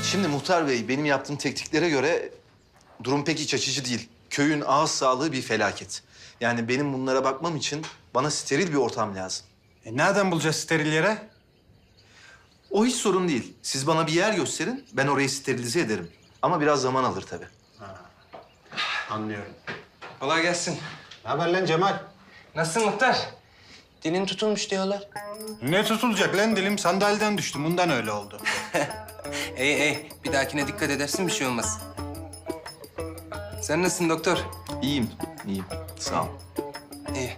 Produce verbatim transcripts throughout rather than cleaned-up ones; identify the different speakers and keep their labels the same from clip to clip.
Speaker 1: Şimdi Muhtar Bey, benim yaptığım tekniklere göre durum pek iç açıcı değil. Köyün ağız sağlığı bir felaket. Yani benim bunlara bakmam için bana steril bir ortam lazım.
Speaker 2: E nereden bulacağız steril yere?
Speaker 1: O hiç sorun değil. Siz bana bir yer gösterin, ben orayı sterilize ederim. Ama biraz zaman alır tabii.
Speaker 2: Anlıyorum.
Speaker 3: Kolay gelsin.
Speaker 2: Ne haber lan Cemal?
Speaker 3: Nasılsın Muhtar? Dilin tutulmuş diyorlar.
Speaker 2: Ne tutulacak lan dilim? Sandalyeden düştüm. Bundan öyle oldu.
Speaker 3: İyi iyi. Bir dahakine dikkat edersin bir şey olmaz. Sen nasılsın doktor?
Speaker 1: İyiyim, iyiyim. Sağ ol.
Speaker 3: İyi.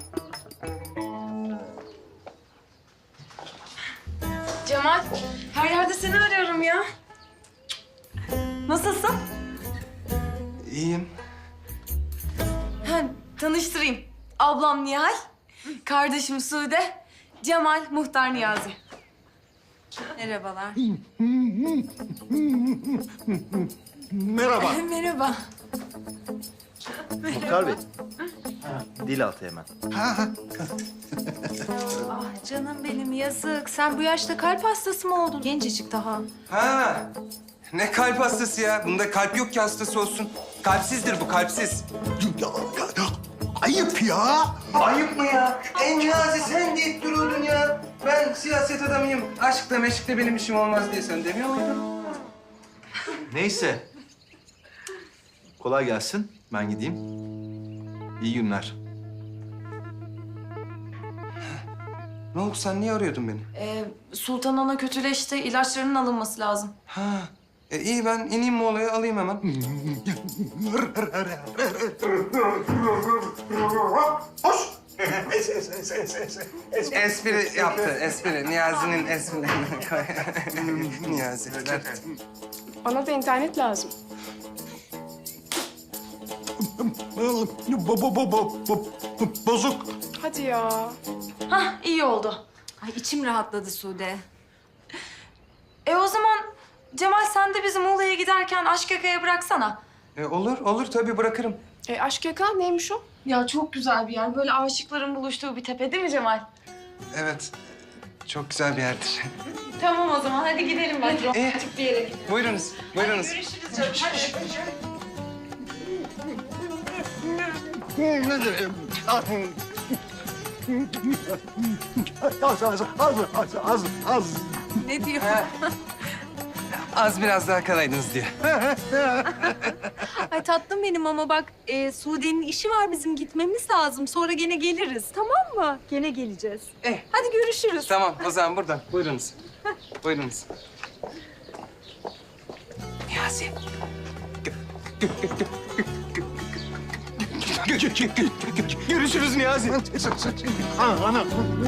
Speaker 4: Cemal, her yerde seni arıyorum ya. Nasılsın?
Speaker 3: İyiyim.
Speaker 4: Ha, tanıştırayım. Ablam Nihal, kardeşim Sude, Cemal, Muhtar Niyazi. Merhabalar.
Speaker 2: Merhaba.
Speaker 4: Merhaba.
Speaker 1: Muhtar Bey, dil altı hemen.
Speaker 4: Ah canım benim yazık. Sen bu yaşta kalp hastası mı oldun? Gencecik daha.
Speaker 3: Ha. Ne kalp hastası ya? Bunda kalp yok ki hastası olsun. Kalpsizdir bu, kalpsiz.
Speaker 2: Ayıp ya.
Speaker 3: Ayıp mı ya? En Niyazi sen deyip duruyordun ya. Ben siyaset adamıyım. Aşkla meşkle benim işim olmaz diye sen demiyor muydun?
Speaker 1: Neyse. Kolay gelsin. Ben gideyim. İyi günler.
Speaker 3: Ne oldu? Sen niye arıyordun beni?
Speaker 4: Ee, Sultan Ana kötüleşti. İlaçlarının alınması lazım.
Speaker 3: Ha. E, iyi ben ineyim Muğla'ya alayım hemen. Espri yaptı, espri. Niyazi'nin esprilerini koy. Niyazi.
Speaker 5: Bana da internet lazım.
Speaker 2: Bozuk.
Speaker 5: Hadi ya.
Speaker 4: Hah, iyi oldu.
Speaker 6: Ay içim rahatladı Sude.
Speaker 4: E o zaman Cemal sen de bizi Muğla'ya giderken Aşkaka'ya bıraksana.
Speaker 3: E, olur, olur tabii bırakırım.
Speaker 5: E, aşk yaka neymiş o?
Speaker 4: Ya çok güzel bir yer. Böyle aşıkların buluştuğu bir tepe değil mi Cemal?
Speaker 3: Evet, çok güzel bir yerdir.
Speaker 4: Tamam o zaman hadi gidelim ben.
Speaker 3: İyi.
Speaker 4: Bir yere gidelim.
Speaker 3: Buyurunuz, buyurunuz.
Speaker 4: Görüşürüz canım. Hadi.
Speaker 2: Az, az, az, az, az, az.
Speaker 6: Ne diyor?
Speaker 3: Az biraz daha kalaydınız diye.
Speaker 6: Ay tatlım benim ama bak e, Sude'nin işi var bizim gitmemiz lazım. Sonra gene geliriz tamam mı? Gene geleceğiz.
Speaker 3: Eh.
Speaker 6: Hadi görüşürüz.
Speaker 3: Tamam, o zaman buradan. Buyurunuz. Buyurunuz. Niyazi. Görüşürüz Niyazi.
Speaker 2: Ana.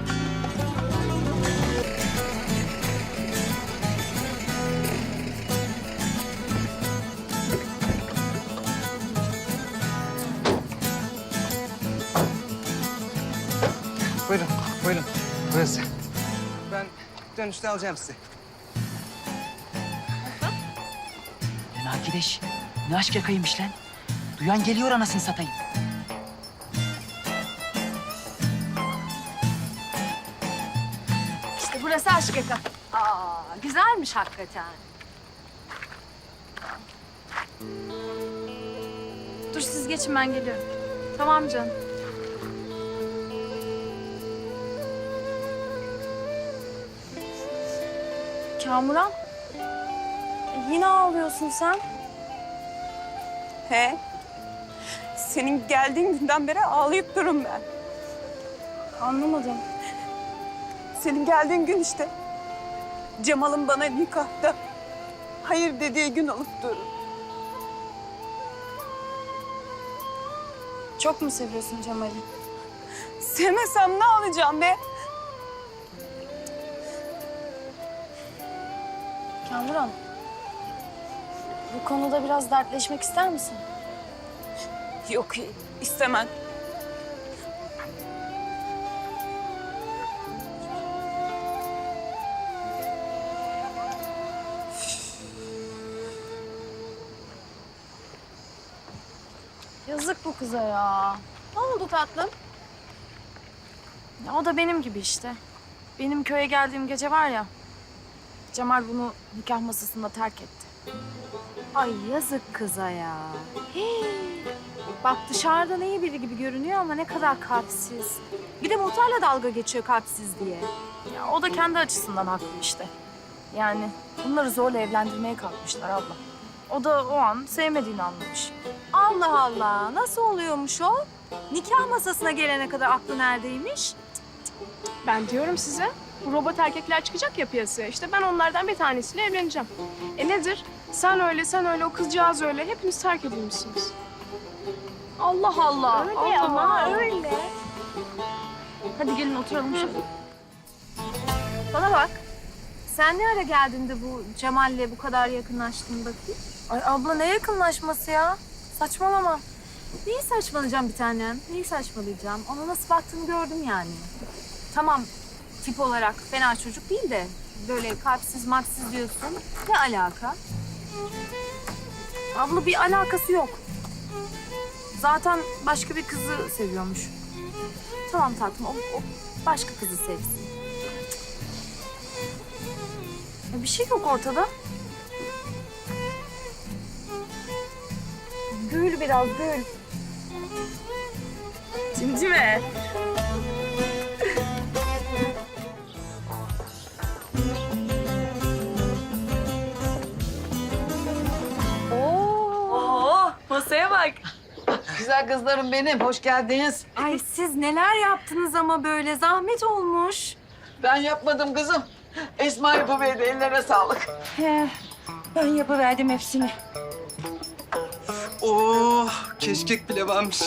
Speaker 3: Buyurun, buyurun. Burası. Ben dönüşte alacağım sizi.
Speaker 7: Lan arkadaş, ne aşk yakaymış lan? Duyan geliyor anasını satayım.
Speaker 6: İşte burası aşk yaka. Aa güzelmiş hakikaten.
Speaker 4: Dur siz geçin ben geliyorum. Tamam canım. Kamuran. e, Yine ağlıyorsun sen.
Speaker 5: He. Senin geldiğin günden beri ağlayıp durun ben.
Speaker 4: Anlamadım.
Speaker 5: Senin geldiğin gün işte. Cemal'ın bana nikahta hayır dediği gün olup durun.
Speaker 4: Çok mu seviyorsun Cemal'i?
Speaker 5: Sevmesem ne alacağım be?
Speaker 4: Kamuran. Bu konuda biraz dertleşmek ister misin?
Speaker 5: Yok istemem.
Speaker 4: Yazık bu kıza ya.
Speaker 5: Ne oldu tatlım?
Speaker 4: Ya o da benim gibi işte. Benim köye geldiğim gece var ya. Cemal bunu nikah masasında terk etti.
Speaker 6: Ay yazık kıza ya. Hii. Bak dışarıdan iyi biri gibi görünüyor ama ne kadar kalpsiz. Bir de muhtarla dalga geçiyor kalpsiz diye.
Speaker 4: Ya o da kendi açısından haklı işte. Yani bunları zorla evlendirmeye kalkmışlar abla. O da o an sevmediğini anlamış.
Speaker 6: Allah Allah. Nasıl oluyormuş o? Nikah masasına gelene kadar aklı neredeymiş?
Speaker 8: Ben diyorum size, bu robot erkekler çıkacak ya piyasaya. İşte ben onlardan bir tanesiyle evleneceğim. E nedir? Sen öyle, sen öyle, o kızcağız öyle. Hepiniz terk edilmişsiniz.
Speaker 6: Allah Allah.
Speaker 8: Öyle
Speaker 6: Allah
Speaker 8: ama,
Speaker 6: Allah.
Speaker 8: öyle.
Speaker 4: Hadi gelin oturalım şöyle.
Speaker 6: Bana bak. Sen ne ara geldin de bu Cemal'le bu kadar yakınlaştın bakayım?
Speaker 4: Ay abla ne yakınlaşması ya? Saçmalama.
Speaker 6: Neyi saçmalayacağım bir tanem? Neyi saçmalayacağım? Ona nasıl baktığını gördüm yani. Tamam tip olarak fena çocuk değil de böyle kalpsiz maksiz diyorsun. Ne alaka?
Speaker 4: Abla bir alakası yok. Zaten başka bir kızı seviyormuş.
Speaker 6: Tamam tatlım o, o başka kızı sevsin.
Speaker 4: Ya bir şey yok ortada.
Speaker 6: Gül biraz gül.
Speaker 4: Cimcime. Oo, masaya bak.
Speaker 9: Güzel kızlarım benim, hoş geldiniz.
Speaker 6: Ay siz neler yaptınız ama böyle zahmet olmuş.
Speaker 9: Ben yapmadım kızım. Esma yapıverdi, ellerine sağlık.
Speaker 7: He, ben yapıverdim hepsini.
Speaker 3: Oh, keşkek bile varmış.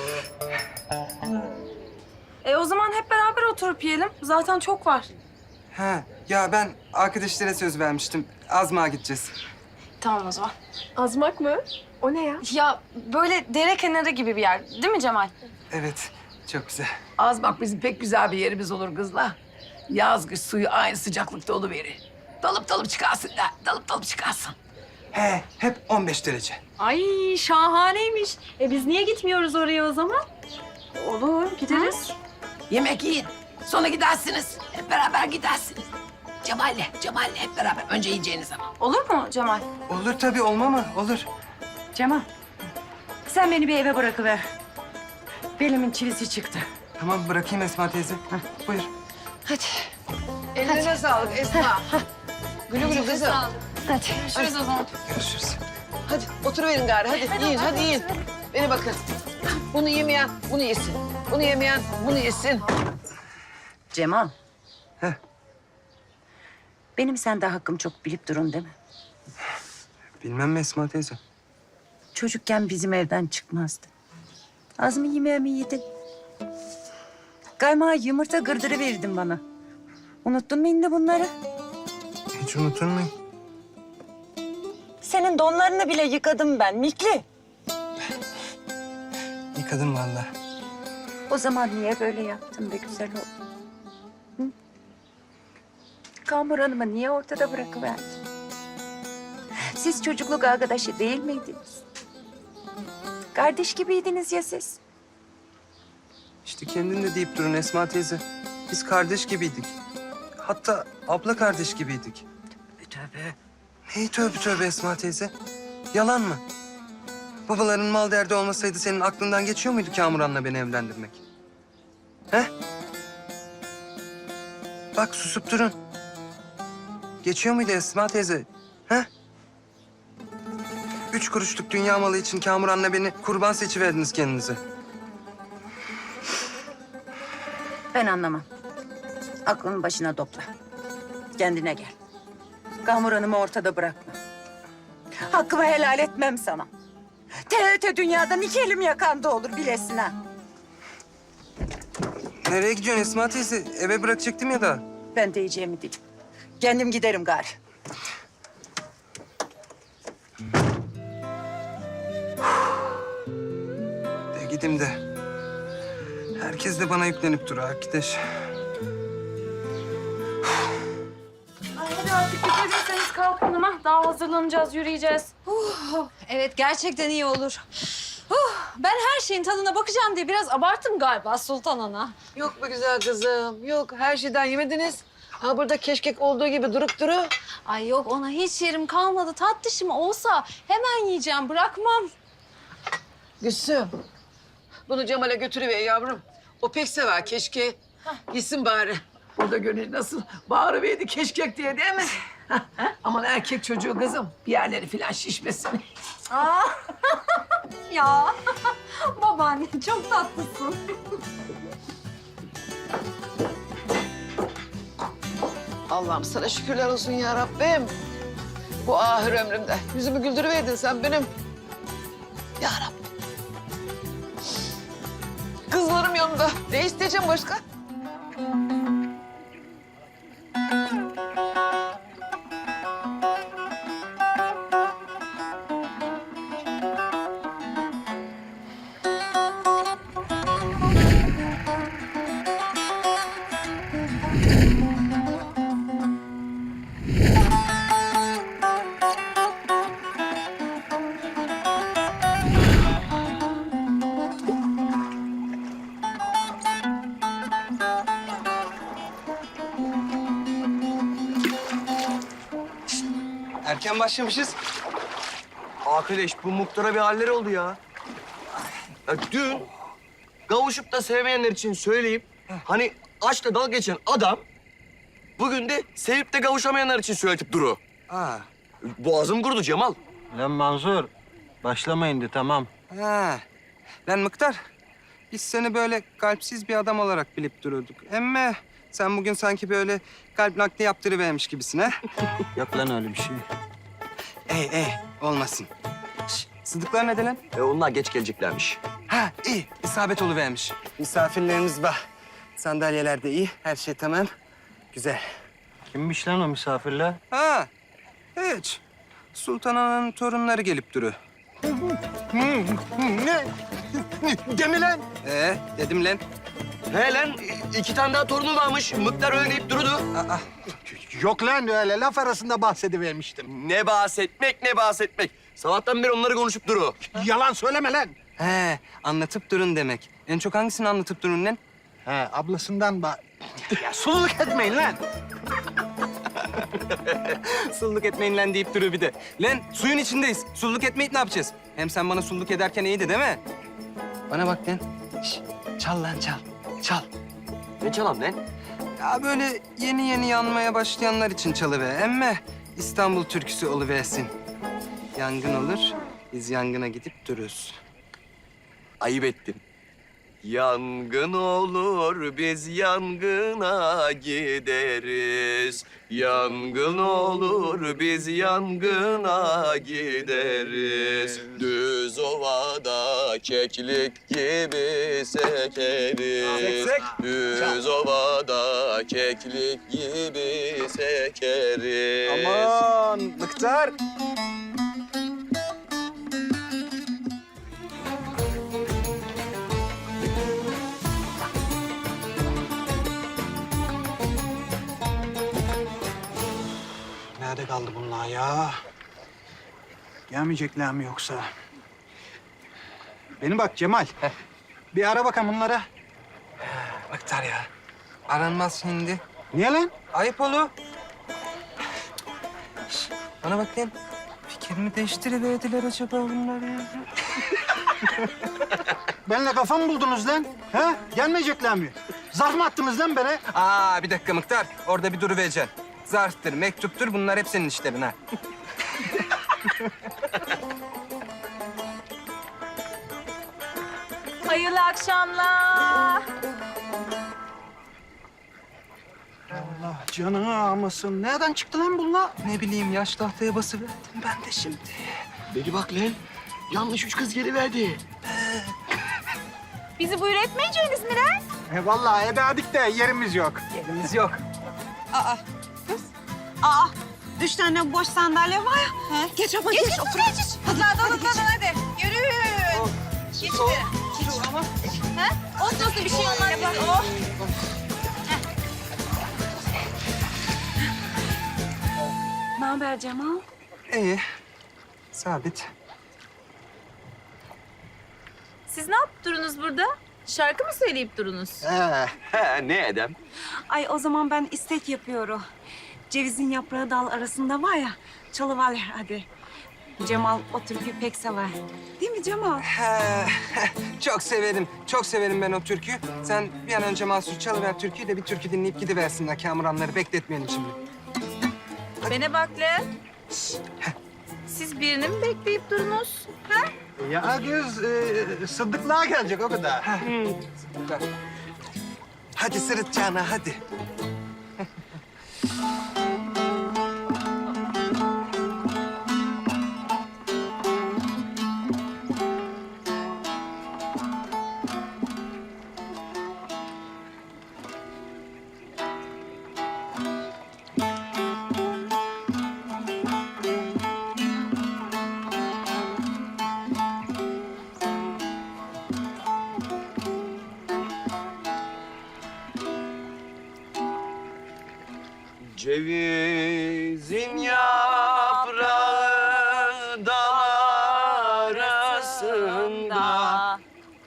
Speaker 4: E o zaman hep beraber oturup yiyelim. Zaten çok var.
Speaker 3: Ha, ya ben arkadaşlara söz vermiştim. Azmağa gideceğiz.
Speaker 4: Tamam o zaman.
Speaker 8: Azmak mı? O ne ya?
Speaker 4: Ya böyle dere kenarı gibi bir yer değil mi Cemal?
Speaker 3: Evet, çok güzel.
Speaker 9: Az bak bizim pek güzel bir yerimiz olur kızlar. Yaz kış suyu aynı sıcaklıkta oluverir. Dalıp dalıp çıkarsın da, dalıp dalıp çıkarsın.
Speaker 3: He, hep on beş derece.
Speaker 6: Ay şahaneymiş. E biz niye gitmiyoruz oraya o zaman?
Speaker 4: Olur gideriz.
Speaker 9: Yemek yiyin, sonra gidersiniz. Hep beraber gidersiniz. Cemal'le, Cemal'le hep beraber. Önce yiyeceğiniz ama.
Speaker 4: Olur mu Cemal?
Speaker 3: Olur tabii, olma mı? Olur.
Speaker 7: Cemal, sen beni bir eve bırakıver. Belimin çivisi çıktı.
Speaker 3: Tamam, bırakayım Esma teyze. Heh, buyur.
Speaker 7: Hadi.
Speaker 9: Ellerine sağlık Esma. Gülü gülü kızım.
Speaker 7: Hadi.
Speaker 4: Görüşürüz o zaman.
Speaker 3: Görüşürüz.
Speaker 9: Hadi oturuverin gari, hadi, yiyin, hadi yiyin. Beni bakın. Bunu yemeyen bunu yesin. Bunu yemeyen bunu yesin.
Speaker 7: Cemal.
Speaker 3: Heh.
Speaker 7: Benim sende hakkım çok bilip durun değil mi?
Speaker 3: Bilmem mi Esma teyze?
Speaker 7: Çocukken bizim evden çıkmazdı. Az mı yemeğimi yedin? Kaymağı yumurta gırdırı verdin bana. Unuttun mu indi bunları?
Speaker 3: Hiç unutur muyum?
Speaker 7: Senin donlarını bile yıkadım ben Mikli.
Speaker 3: Yıkadım vallahi.
Speaker 7: O zaman niye böyle yaptın be güzel oğlum? Hı? Kamur Hanım'ı niye ortada bırakıverdin? Siz çocukluk arkadaşı değil miydiniz? Kardeş gibiydiniz ya siz.
Speaker 10: İşte kendin de deyip durun Esma teyze. Biz kardeş gibiydik. Hatta abla kardeş gibiydik.
Speaker 7: Tövbe.
Speaker 10: Neyi tövbe tövbe Esma teyze? Yalan mı? Babaların mal derdi olmasaydı senin aklından geçiyor muydu Kamuran'la beni evlendirmek? He? Bak susup durun. Geçiyor muydu Esma teyze? He? Üç kuruşluk dünya malı için Kamuran'la beni kurban seçiverdiniz kendinize.
Speaker 7: Ben anlamam. Aklını başına topla. Kendine gel. Kamur Hanım'ı ortada bırakma. Hakkımı helal etmem sana. Te te dünyadan iki elim yakanda olur bilesin ha.
Speaker 10: Nereye gidiyorsun Esma teyze? Eve bırakacaktım ya da.
Speaker 7: Ben diyeceğimi dedim. Kendim giderim gari.
Speaker 10: De gideyim de. Herkes de bana yüklenip duruyor arkadaş.
Speaker 4: Ay hadi artık dikkat etseniz kalkalım ha. Daha hazırlanacağız, yürüyeceğiz.
Speaker 6: Evet gerçekten iyi olur. Huh, ben her şeyin tadına bakacağım diye biraz abarttım galiba Sultan Ana.
Speaker 9: Yok be güzel kızım, yok. Her şeyden yemediniz. Ha burada keşkek olduğu gibi durup duru.
Speaker 6: Ay yok ona hiç yerim kalmadı. Tatlışım olsa hemen yiyeceğim bırakmam.
Speaker 9: Gülsüm. Bunu Cemal'e götürüver yavrum. O pek sever keşke. Gitsin bari. Burada gönül nasıl bağırıverdi keşkek diye değil mi? Aman erkek çocuğu kızım. Bir yerleri falan şişmesin.
Speaker 6: Aa. Ya babaanne çok tatlısın.
Speaker 9: Allah'ım sana şükürler olsun ya Rabbim. Bu ahir ömrümde yüzümü güldürüverdin sen benim. Ya Rabbim. Kızlarım yanında. Ne isteyeceğim başka?
Speaker 10: Erken başlamışız. Arkadaş bu muhtara bir haller oldu ya. Ya dün kavuşup da sevmeyenler için söyleyeyim. Hani aşkla dalga geçen adam bugün de sevip de kavuşamayanlar için söyletip duru.
Speaker 2: Ha.
Speaker 10: Boğazım kurudu Cemal.
Speaker 2: Lan Manzur, başlamayın de tamam.
Speaker 3: Ha. Lan Mıktar, biz seni böyle kalpsiz bir adam olarak bilip dururduk. Emme sen bugün sanki böyle kalp nakli yaptırıvermiş gibisin ha.
Speaker 2: Yok lan öyle bir şey.
Speaker 3: Ey ey olmasın. Şş, Sıdıklar ne de lan?
Speaker 10: E onlar geç geleceklermiş.
Speaker 3: Ha iyi isabet oluvermiş. Misafirlerimiz var. Sandalyeler de iyi, her şey tamam. Güzel.
Speaker 2: Kimmiş lan o misafirler?
Speaker 3: Ha hiç. Sultan Ana'nın torunları gelip duru.
Speaker 2: Ne? Demi lan.
Speaker 3: Ee dedim lan.
Speaker 10: He lan iki tane daha torunu varmış. Mıktar öyle deyip durudu.
Speaker 3: Aa,
Speaker 2: Yok lan öyle laf arasında bahsedivermiştim.
Speaker 10: Ne bahsetmek ne bahsetmek. Sabahtan beri onları konuşup duru.
Speaker 2: Yalan söyleme lan.
Speaker 3: he anlatıp durun demek. En çok hangisini anlatıp durun lan?
Speaker 2: He ablasından bah... Ya sululuk etmeyin lan.
Speaker 3: Sulluk etmeyin lan deyip duruyor bir de. Lan suyun içindeyiz. Sulluk etmeyip ne yapacağız? Hem sen bana sulluk ederken iyiydi değil mi? Bana bak lan. Şş, çal lan çal. Çal.
Speaker 10: Ne çalam lan?
Speaker 3: Ya böyle yeni yeni yanmaya başlayanlar için çalıver. Emme İstanbul türküsü oluversin. Yangın olur, biz yangına gidip dururuz.
Speaker 10: Ayıp ettin. Yangın olur, biz yangına gideriz. Yangın olur, biz yangına gideriz. Düz ovada keklik gibi sekeriz.
Speaker 3: Sek, sek.
Speaker 10: Düz ovada keklik gibi sekeriz.
Speaker 3: Aman Mıktar.
Speaker 2: Nerede kaldı bunlar ya? Gelmeyecekler mi yoksa? Beni bak Cemal. Bir ara bakalım bunlara.
Speaker 3: Mıktar ya. Aranmaz şimdi.
Speaker 2: Niye lan?
Speaker 3: Ayıp olur. Şş, bana bak lan. Fikrimi değiştiriverdiler acaba bunlar ya.
Speaker 2: Benimle kafa mı buldunuz lan? He? Gelmeyecekler mi? Zarf mı attınız lan bana?
Speaker 3: Aa bir dakika Mıktar. Orada bir duruvereceksin. Zarftır, mektuptur bunlar hep senin işlerin ha.
Speaker 6: Hayırlı akşamlar.
Speaker 2: Allah canını almasın. Nereden çıktı lan bunlar?
Speaker 3: Ne bileyim yaş tahtaya basıverdim ben de şimdi.
Speaker 10: Beni bak lan. Yanlış üç kız geliverdi.
Speaker 6: Bizi buyur etmeyeceğiniz mi lan?
Speaker 2: E vallahi ebedik de yerimiz yok.
Speaker 3: Yerimiz yok.
Speaker 5: Aa, üç tane boş sandalye var ya. He? Geç ama geç. Geç, otur. geç. Hadi, hadi, hadi, hadi, hadi. Yürü. Geç de. Geç. Ha? Olsun olsun bir şey olmaz. bize. Oh.
Speaker 7: Ne haber Cemal?
Speaker 3: İyi. Sabit.
Speaker 6: Siz ne yaptınız burada?
Speaker 5: Şarkı mı söyleyip durunuz?
Speaker 2: He.
Speaker 10: He ne edem?
Speaker 5: Ay o zaman ben istek yapıyorum. Cevizin yaprağı dal arasında var ya, çalıver hadi. Cemal o türküyü pek sever. Değil mi Cemal?
Speaker 3: He, çok severim, çok severim ben o türküyü. Sen bir an önce Mansur çalıver türküyü de bir türkü dinleyip gidiversinler. Kamuranları bekletmeyelim şimdi.
Speaker 5: Bana bak lan. Siz birini mi bekleyip durunuz? Ha?
Speaker 2: Ya kız e, Sıddıklığa gelecek o kadar.
Speaker 3: Ver. Hadi sırıtacağına hadi.
Speaker 10: Cevizin yaprağı dal arasında.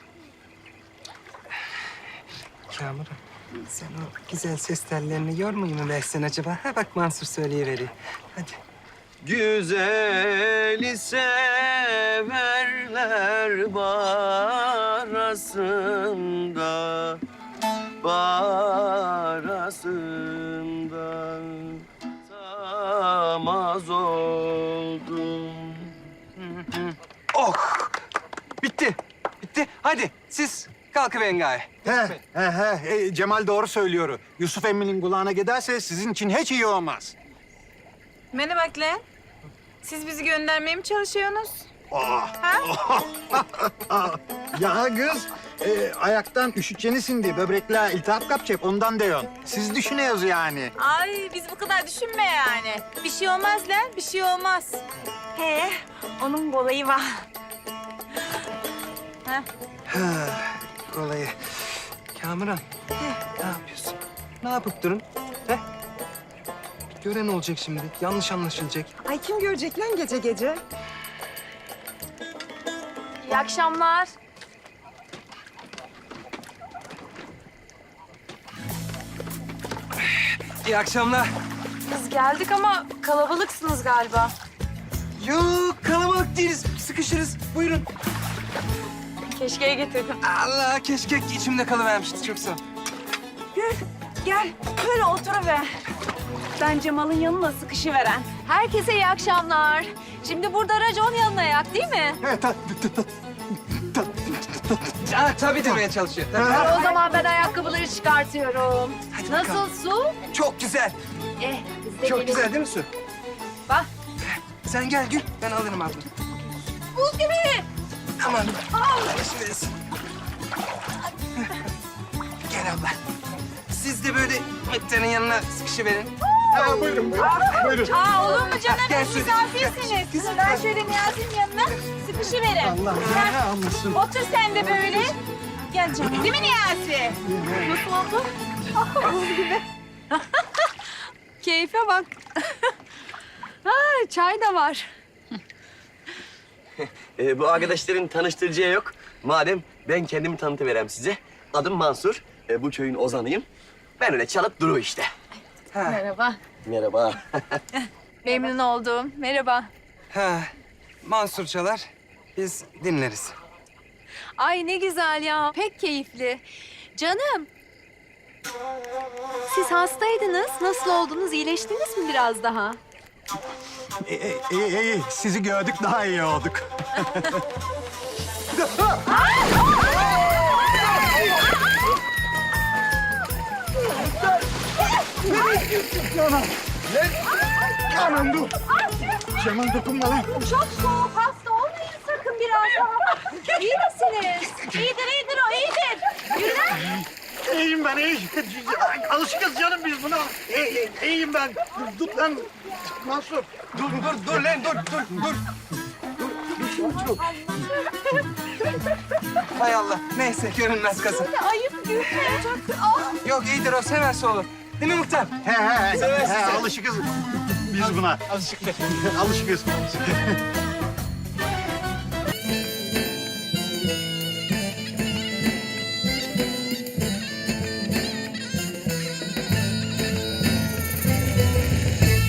Speaker 3: Kamuran, sen o güzel ses tellerini yormayı mı versen acaba? Ha bak Mansur söyleyiveriyor. Hadi.
Speaker 10: Güzeli severler barasında, barasında tamaz oldum.
Speaker 3: Oh! Bitti, bitti. Hadi siz kalkıverin gaye.
Speaker 2: He, he, he. E, Cemal doğru söylüyor. Yusuf emminin kulağına giderse sizin için hiç iyi olmaz.
Speaker 5: Bana bak lan. Siz bizi göndermeye mi çalışıyorsunuz?
Speaker 2: Ya kız, e, ayaktan üşütçenisin diye böbrekler iltihap kapacak ondan diyorsun. Siz düşünüyoruz yani.
Speaker 5: Ay biz bu kadar düşünme yani. Bir şey olmaz lan, bir şey olmaz. He, onun kolayı var.
Speaker 3: Ha, kolayı. Kamuran, ne yapıyorsun? Ne yapıp durun? He? Gören olacak şimdi, yanlış anlaşılacak.
Speaker 5: Ay kim görecek lan gece gece?
Speaker 6: İyi akşamlar.
Speaker 3: İyi akşamlar.
Speaker 4: Biz geldik ama kalabalıksınız galiba.
Speaker 3: Yok, kalabalık değiliz. Sıkışırız. Buyurun.
Speaker 4: Keşkeye getirdim.
Speaker 3: Allah, keşke içimde kalıvermişti. Çok sağ ol.
Speaker 5: Gel, gel. Böyle oturuver. Ben Cemal'ın yanına sıkışıveren.
Speaker 6: Herkese iyi akşamlar. Şimdi burada racon yanına yak değil mi?
Speaker 2: Evet, ta, ta, ta, ta,
Speaker 3: Ha, tabii demeye çalışıyor. Tabii.
Speaker 6: O zaman ben ayakkabıları çıkartıyorum.
Speaker 3: Hadi
Speaker 6: Nasıl
Speaker 3: bakalım.
Speaker 6: su?
Speaker 3: Çok güzel.
Speaker 6: Eh, biz de
Speaker 3: Çok
Speaker 6: gelelim.
Speaker 3: güzel değil mi su?
Speaker 6: Bak.
Speaker 3: Sen gel Gül, ben alırım abla.
Speaker 6: Buz gibi.
Speaker 3: Aman, geçiversin. Gel abla. Siz de böyle Mıktar'ın yanına sıkışıverin.
Speaker 2: Ha, buyurun, buyurun. Buyurun.
Speaker 5: Aa olur mu canım?
Speaker 3: Gel
Speaker 5: Biz
Speaker 3: şöyle,
Speaker 5: misafirsiniz. Ben şöyle Niyazi'nin yanına sıkışıverim.
Speaker 2: Allah ne almışsın.
Speaker 5: Otur sen de böyle. Gel canım. Değil mi Niyazi? Nasıl oldu? Buz gibi.
Speaker 6: Keyfe bak. Ha, çay da var.
Speaker 10: Ee, bu arkadaşların tanıştıracağı yok. Madem ben kendimi tanıtıverem size. Adım Mansur. Ee, bu köyün ozanıyım. Ben öyle çalıp duru işte.
Speaker 6: Merhaba.
Speaker 10: Merhaba.
Speaker 6: Memnun oldum. Merhaba.
Speaker 3: Ha, Mansur çalar, biz dinleriz.
Speaker 6: Ay ne güzel ya. Pek keyifli. Canım. Siz hastaydınız. Nasıl oldunuz? İyileştiniz mi biraz daha?
Speaker 2: İyi, iyi, iyi. Sizi gördük daha iyi olduk. Aman dur. Cemal dokunma lan.
Speaker 6: Çok soğuk. Hasta olmayın sakın biraz daha. İyi misiniz?
Speaker 5: İyidir, iyidir o, iyidir. Yürü lan.
Speaker 2: İyiyim ben, iyiyim. Alışıkız canım biz buna. İyi, iyiyim ben. Dur, dur lan. Mansur.
Speaker 3: Dur, dur, dur lan, dur, dur, dur. Hay Allah, neyse görünmez kazın.
Speaker 6: Ayıp gülme.
Speaker 3: Yok iyidir o, severse olur. Değil mi Muhtar?
Speaker 2: He he he.
Speaker 3: Seversin
Speaker 2: he
Speaker 3: sen.
Speaker 2: alışıkız biz buna.
Speaker 3: Alışık.
Speaker 2: Alışıkız.